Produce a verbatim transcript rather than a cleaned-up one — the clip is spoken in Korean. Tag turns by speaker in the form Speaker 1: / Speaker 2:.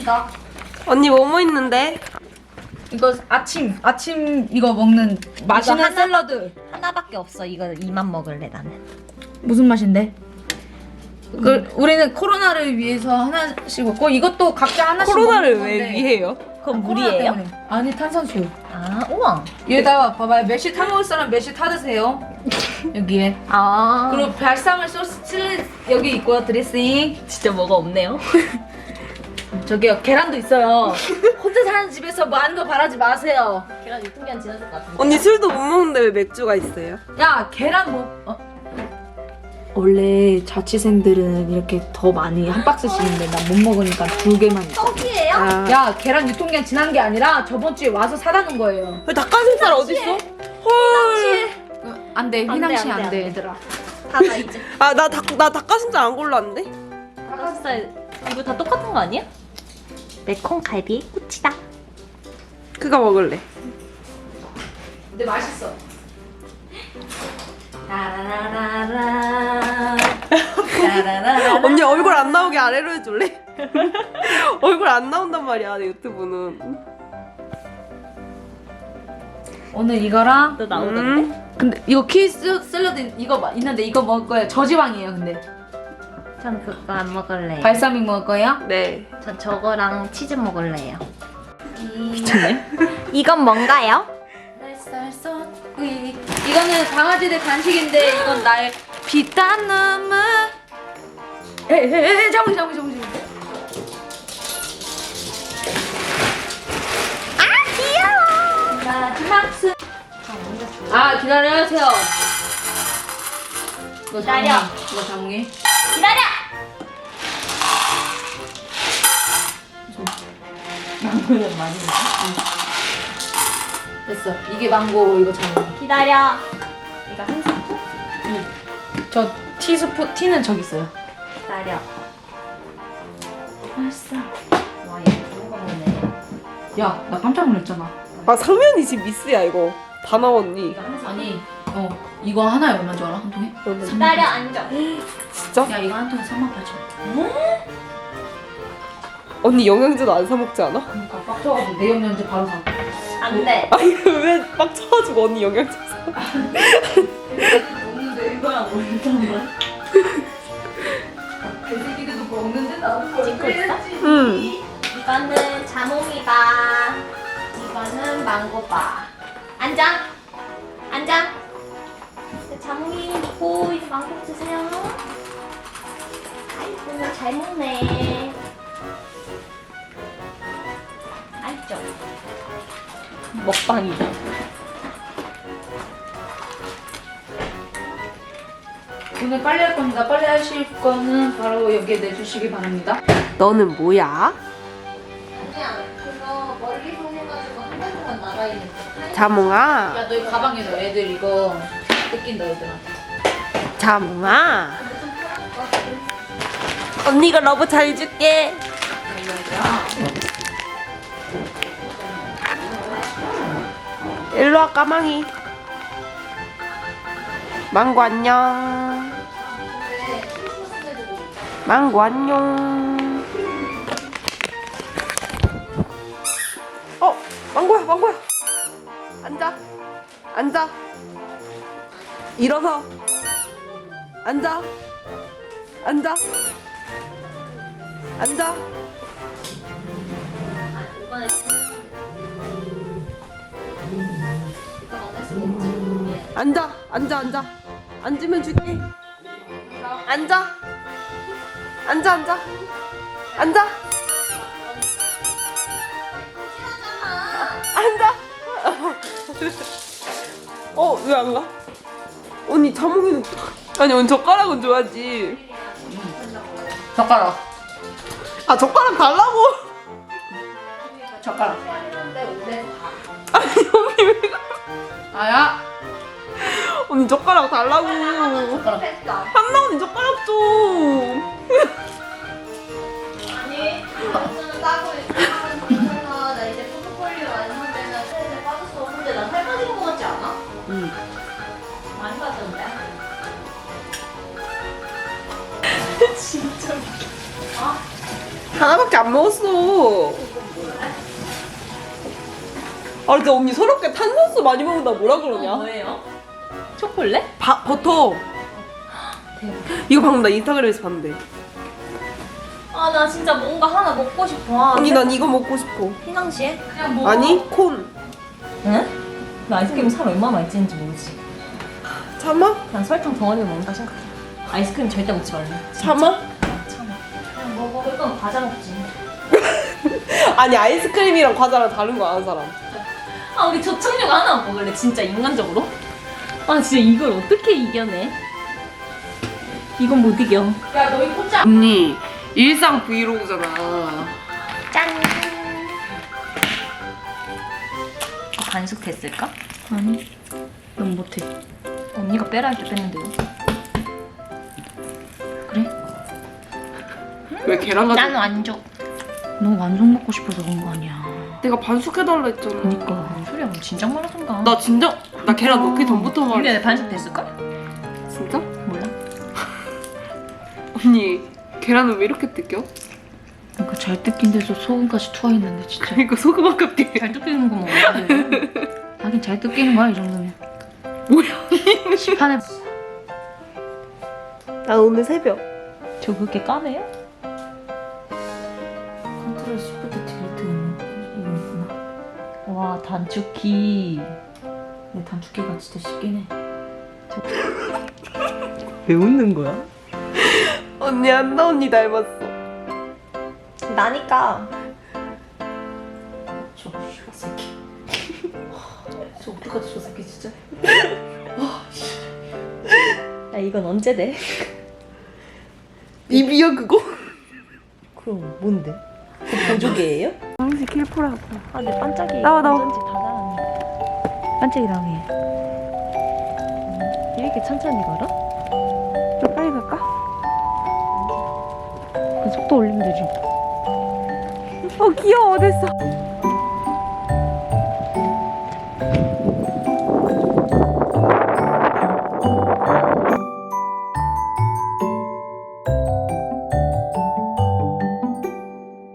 Speaker 1: 있습니다.
Speaker 2: 언니 뭐뭐 있는데?
Speaker 1: 이거 아침 아침 이거 먹는 맛있는
Speaker 3: 하나?
Speaker 1: 샐러드.
Speaker 3: 하나밖에 없어. 이거 이만 먹을래 나는.
Speaker 1: 무슨 맛인데? 그 우리는 코로나를 위해서 하나씩 먹고 이것도 각자 하나씩
Speaker 2: 코로나를
Speaker 1: 먹는
Speaker 2: 왜
Speaker 1: 건데.
Speaker 2: 위해요?
Speaker 3: 그건
Speaker 1: 코로나
Speaker 3: 물이에요?
Speaker 1: 때문에. 아니 탄산수.
Speaker 3: 아 우와.
Speaker 1: 여기다가 봐봐요. 몇시 타 먹을 사람 몇시 타 드세요. 여기에.
Speaker 3: 아
Speaker 1: 그리고 발사믹 소스 칠리 여기 있고요. 드레싱.
Speaker 3: 진짜 뭐가 없네요.
Speaker 1: 저기요 계란도 있어요. 혼자 사는 집에서 많은 거 바라지 마세요.
Speaker 3: 계란 유통기한 지났을 것 같은데.
Speaker 2: 언니 술도 못 먹는데 왜 맥주가 있어요?
Speaker 1: 야 계란 뭐? 어? 원래 자취생들은 이렇게 더 많이 한 박스씩 있는데 난 못 먹으니까 두 개만 있어.
Speaker 3: 떡이에요?
Speaker 2: 아,
Speaker 1: 야 계란 유통기한 지난 게 아니라 저번 주에 와서 사다 놓은 거예요.
Speaker 2: 왜 닭가슴살 어딨어? 헐.
Speaker 1: 어, 안돼
Speaker 3: 안
Speaker 1: 휘낭시
Speaker 3: 돼, 안 돼,
Speaker 1: 안돼
Speaker 3: 안 돼.
Speaker 1: 얘들아.
Speaker 3: 다다 이제.
Speaker 2: 아, 나 닭, 나 닭가슴살 안 골랐는데?
Speaker 3: 닭가슴살 이거 다 똑같은 거 아니야? 매콤 갈비의 꽃이다.
Speaker 2: 그거 먹을래.
Speaker 1: 근데 맛있어.
Speaker 3: 라라라라라. 라라라라.
Speaker 2: 언니 얼굴 안 나오게 아래로 해줄래? 얼굴 안 나온단 말이야, 내 유튜브는.
Speaker 1: 오늘 이거랑
Speaker 3: 너 나오던데?
Speaker 2: 음.
Speaker 1: 근데 이거 키스 샐러드 이거 마- 있는데 이거 먹을 거예요. 저지방이에요 근데.
Speaker 3: 전 그거 안 먹을래요.
Speaker 1: 발사믹 먹을 거예요?
Speaker 2: 네.
Speaker 3: 전 저거랑 치즈 먹을래요. 미쳤네. 이건 뭔가요?
Speaker 1: 이거는 강아지들 간식인데 이건 나의 비싼 눈물. 에에에 잠시 잠시 잠시.
Speaker 3: 아 귀여워.
Speaker 1: 마지막 스. 아 기다려주세요. 이거
Speaker 3: 기다려.
Speaker 1: 장미. 이거 장미.
Speaker 3: 기다려. 망고는 많이
Speaker 1: 됐어. 이게 망고 이거 장미.
Speaker 3: 기다려. 이거 한 스푼?
Speaker 1: 저 티스푼 티는 저기 있어요.
Speaker 3: 기다려.
Speaker 1: 맛있어.
Speaker 3: 와 이거 좋은 거 먹네.
Speaker 1: 야, 나 깜짝 놀랐잖아.
Speaker 2: 아, 상면이 지금 미스야, 이거. 다 나왔니?
Speaker 3: 이거 한 스푼.
Speaker 1: 아니, 어 이거 하나에 얼마인 줄 알아? 한 통에?
Speaker 3: 기다려 앉아.
Speaker 2: 진짜?
Speaker 1: 야, 이거 한 통에 삼만 팔천 원.
Speaker 2: 언니 영양제도 안 사먹지 않아?
Speaker 1: 그러니까 빡쳐가지고 내 영양제 바로 사.
Speaker 3: 안 돼.
Speaker 2: 아니, 왜 빡쳐가지고 언니 영양제 사?
Speaker 1: 먹는데 이거랑 먹는 거야? 개새끼들도 먹는데 나도
Speaker 3: 찍고 있어?
Speaker 2: 응.
Speaker 3: 이거는 자몽이다. 이거는 망고바. 앉아. 앉아. 네, 자몽이 먹고 이제 망고 드세요. 아이고 잘 먹네. 아이죠. 먹방이다.
Speaker 1: 오늘 빨리 할 겁니다. 빨리 하실 거는 바로 여기에 내주시기 바랍니다.
Speaker 2: 너는 뭐야?
Speaker 3: 아니야. 그거 멀리서 해가지고 한 달 동안 나가 있는 거.
Speaker 2: 자몽아.
Speaker 1: 야, 너 이 가방에 넣어. 애들 이거 뜯긴다, 애들한테.
Speaker 2: 자몽아. 언니가 러브 잘 줄게. 일로와, 까망이. 망고 안녕. 망고 안녕. 어, 망고야, 망고야. 앉아. 앉아. 일어서. 앉아. 앉아. 앉아.
Speaker 3: 이번에 이거 먹을 수 있지?
Speaker 2: 앉아. 앉아, 앉아. 앉으면 줄게. 앉아. 앉아, 앉아. 앉아. 앉아. 어, 왜 안 가? 언니 자몽이는 아니, 언니 젓가락은 줘야지.
Speaker 1: 젓가락.
Speaker 2: 아, 젓가락 달라고.
Speaker 1: 젓가락.
Speaker 2: 아니, 언니 왜 가?
Speaker 1: 아야.
Speaker 2: 언니 젓가락 달라고.
Speaker 1: 젓가락.
Speaker 2: 한나 언니 젓가락 좀.
Speaker 3: 아니, 이거는 따고 있잖아. 나 이제 포트폴리오 완성되면 살에 빠졌어. 근데 나 살 빠진 거 같지 않아?
Speaker 2: 응.
Speaker 3: 많이 빠졌는데? 진짜. 어?
Speaker 2: 하나밖에 안 먹었어. 아 근데 언니 서럽게 탄산수 많이 먹는다 뭐라 그러냐?
Speaker 1: 뭐예요? 초콜릿?
Speaker 2: 바, 버터. 이거 방금 나 인스타그램에서 봤는데.
Speaker 1: 아 나 진짜 뭔가 하나 먹고 싶어. 아,
Speaker 2: 언니 난 이거 먹고 싶어.
Speaker 1: 피낭시에? 그냥 먹어.
Speaker 2: 아니 콘.
Speaker 1: 응? 나 아이스크림 살 얼마나 많이 찌는지 모르지.
Speaker 2: 참아?
Speaker 1: 난 설탕 덩어리를 먹는다 생각해. 아이스크림 절대 먹지 말래.
Speaker 2: 참아?
Speaker 1: 참아. 그냥 먹어. 그건 과자 먹지.
Speaker 2: 아니 아이스크림이랑 과자랑 다른 거 아는 사람.
Speaker 1: 아 우리 저착륙 하나 먹을래 진짜 인간적으로? 아 진짜 이걸 어떻게 이겨내? 이건 못 이겨. 야 너희 포장.
Speaker 2: 언니 일상 브이로그잖아.
Speaker 1: 짠. 반숙 됐을까? 아니. 넌 못해. 언니가 빼라 할 때 뺐는데요. 그래?
Speaker 2: 왜 계란 가지고?
Speaker 1: 난 완족. 너 완숙 먹고 싶어서 그런 거 아니야.
Speaker 2: 내가 반숙해달라 했잖아.
Speaker 1: 그니까 무슨 소리야? 그럼 진작 말하던가.
Speaker 2: 나 진짜 나 계란 넣기 전부터 말했어.
Speaker 1: 근데 반숙 됐을걸?
Speaker 2: 진짜?
Speaker 1: 몰라.
Speaker 2: 언니 계란은 왜 이렇게 뜯겨?
Speaker 1: 그러니까 잘 뜯긴 데서 소금까지 투하했는데 진짜.
Speaker 2: 그러니까 소금 아깝게.
Speaker 1: 잘 뜯기는 거 먹어. 하긴 잘 뜯기는 거야 이 정도면.
Speaker 2: 뭐야?
Speaker 1: 시판에
Speaker 2: 난 오늘 새벽.
Speaker 1: 저 그렇게 까매요? 컨트롤 시프트 딜리트 이거구나. 와 단축키. 근데 단축키가 진짜 쉽긴 해.
Speaker 2: 왜 웃는 거야? 언니 한나 언니 닮았어.
Speaker 1: 나니까. 저 새끼. 저 어떡하지 저 새끼 진짜. 야 이건 언제 돼?
Speaker 2: 입이야 그거?
Speaker 1: 그럼 뭔데? 보조개예요?
Speaker 2: 당시 킬포라고.
Speaker 1: 아 내 반짝이
Speaker 2: 나와, 나와.
Speaker 1: 건전지 다 달았네. 반짝이라고 해. 음, 이렇게 천천히 걸어?
Speaker 2: 빨리 갈까?
Speaker 1: 그 속도 올리면 되지.
Speaker 2: 어 귀여워. 어딨어?